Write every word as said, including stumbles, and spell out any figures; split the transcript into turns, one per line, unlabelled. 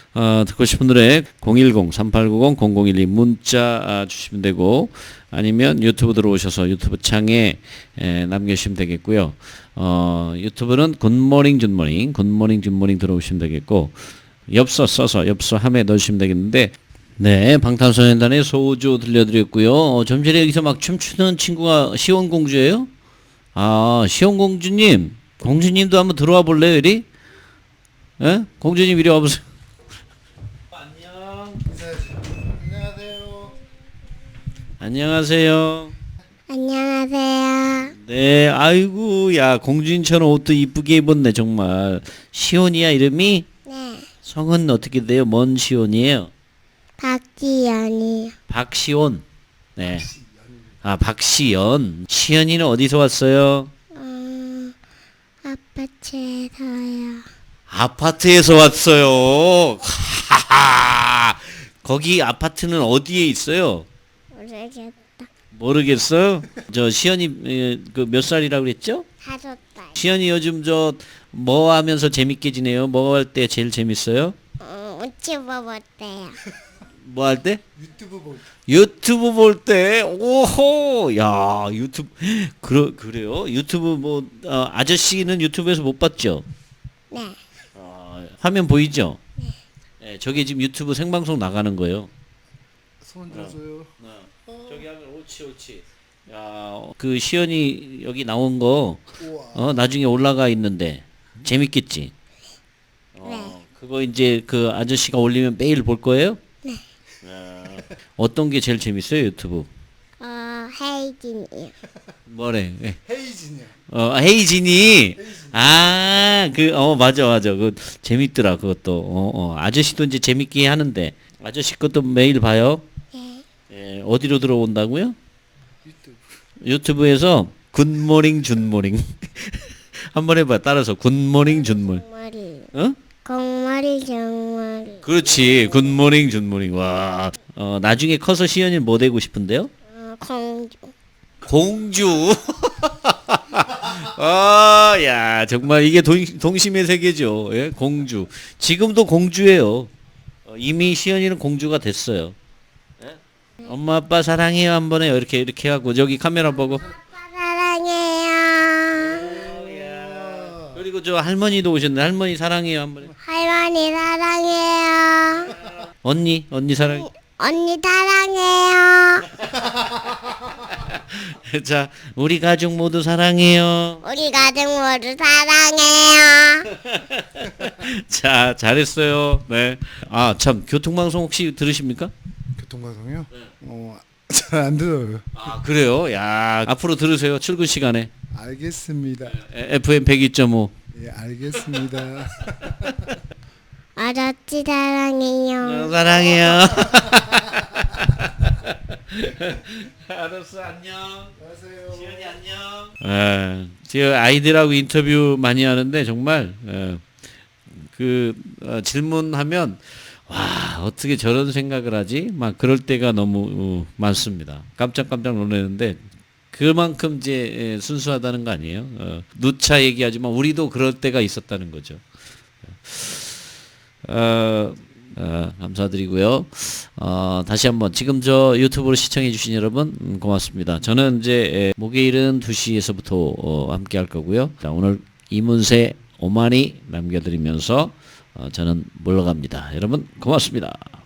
어, 듣고 싶은 노래 공일공 삼팔구공 공공일이 문자 아, 주시면 되고, 아니면 유튜브 들어오셔서 유튜브 창에 에, 남겨주시면 되겠고요. 어, 유튜브는 굿모닝 굿모닝 굿모닝 굿모닝 들어오시면 되겠고, 엽서 써서 엽서함에 넣으시면 되겠는데, 네, 방탄소년단의 소주 들려드렸고요. 어, 좀 전에 여기서 막 춤추는 친구가 시온공주예요? 아, 시온공주님, 공주님도 한번 들어와 볼래요, 이리? 예? 공주님 이리 와보세요. 안녕.
안녕하세요.
안녕하세요.
안녕하세요.
네, 아이고, 야, 공주님처럼 옷도 이쁘게 입었네, 정말. 시온이야, 이름이?
네,
성은 어떻게 돼요? 뭔 시온이에요?
박지연이요.
박시온. 네. 아, 박시연. 시연이는 어디서 왔어요?
어, 아파트에서요.
아파트에서 왔어요. 하하. 거기 아파트는 어디에 있어요?
모르겠다.
모르겠어요. 저 시연이 그 몇 살이라고 그랬죠?
다섯 달.
시연이 요즘 저 뭐 하면서 재밌게 지내요? 뭐 할 때 제일 재밌어요?
어, 유튜버 못해요.
뭐 할 때?
유튜브 볼 때.
유튜브 볼 때. 오호. 야, 유튜브 그러 그래요? 유튜브 뭐 어, 아저씨는 유튜브에서 못 봤죠?
네,
어, 화면 보이죠? 네. 저게 지금 유튜브 생방송 나가는 거예요.
손 줘줘요.
저기 하면 옳지 옳지. 야, 그 시연이 여기 나온 거
우와.
어, 나중에 올라가 있는데 재밌겠지? 어, 그거 이제 그 아저씨가 올리면 매일 볼 거예요?
네.
어떤 게 제일 재밌어요, 유튜브?
어, 헤이진이요.
뭐래? 예.
헤이진이요.
어, 헤이진이. 아, 그, 어, 맞아, 맞아. 그, 재밌더라, 그것도. 어, 어. 아저씨도 이제 재밌게 하는데, 아저씨 것도 매일 봐요?
네,
예, 어디로 들어온다고요?
유튜브.
유튜브에서 굿모닝, 준모닝. 한번 해봐, 따라서. 굿모닝, 준모닝.
공머리.
어?
공머리, 정머리.
그렇지. 굿모닝, 준모닝. 와. 어, 나중에 커서 시연이 뭐 되고 싶은데요?
어, 공주.
공주. 아, 야, 정말 이게 동, 동심의 세계죠. 예? 공주. 지금도 공주예요. 어, 이미 시연이는 공주가 됐어요. 예? 엄마 아빠 사랑해요 한번 해요. 이렇게 이렇게 하고 저기 카메라 보고.
사랑해요.
그리고 저 할머니도 오셨네. 할머니 사랑해요 한번 해요.
할머니 사랑해요.
언니, 언니 사랑.
언니 사랑해요.
자, 우리 가족 모두 사랑해요.
우리 가족 모두 사랑해요.
자, 잘했어요. 네. 아, 참 교통방송 혹시 들으십니까?
교통방송이요? 어, 잘 안 들어요.
아, 그래요? 야, 앞으로 들으세요. 출근 시간에.
알겠습니다.
에프엠 백이 점 오.
예, 알겠습니다.
아저씨 사랑해요.
어, 사랑해요. 알았어, 안녕.
안녕하세요.
지연이 안녕. 예, 제가 아이들하고 인터뷰 많이 하는데 정말 예, 그 어, 질문하면 와 어떻게 저런 생각을 하지? 막 그럴 때가 너무 어, 많습니다. 깜짝깜짝 놀라는데 그만큼 이제 예, 순수하다는 거 아니에요? 어, 누차 얘기하지만 우리도 그럴 때가 있었다는 거죠. 어, 어, 감사드리고요. 어, 다시 한번 지금 저 유튜브로 시청해 주신 여러분 음, 고맙습니다. 저는 이제 에, 목요일은 두 시에서부터 어, 함께 할 거고요. 자, 오늘 이문세 오만이 남겨드리면서 어, 저는 물러갑니다. 여러분 고맙습니다.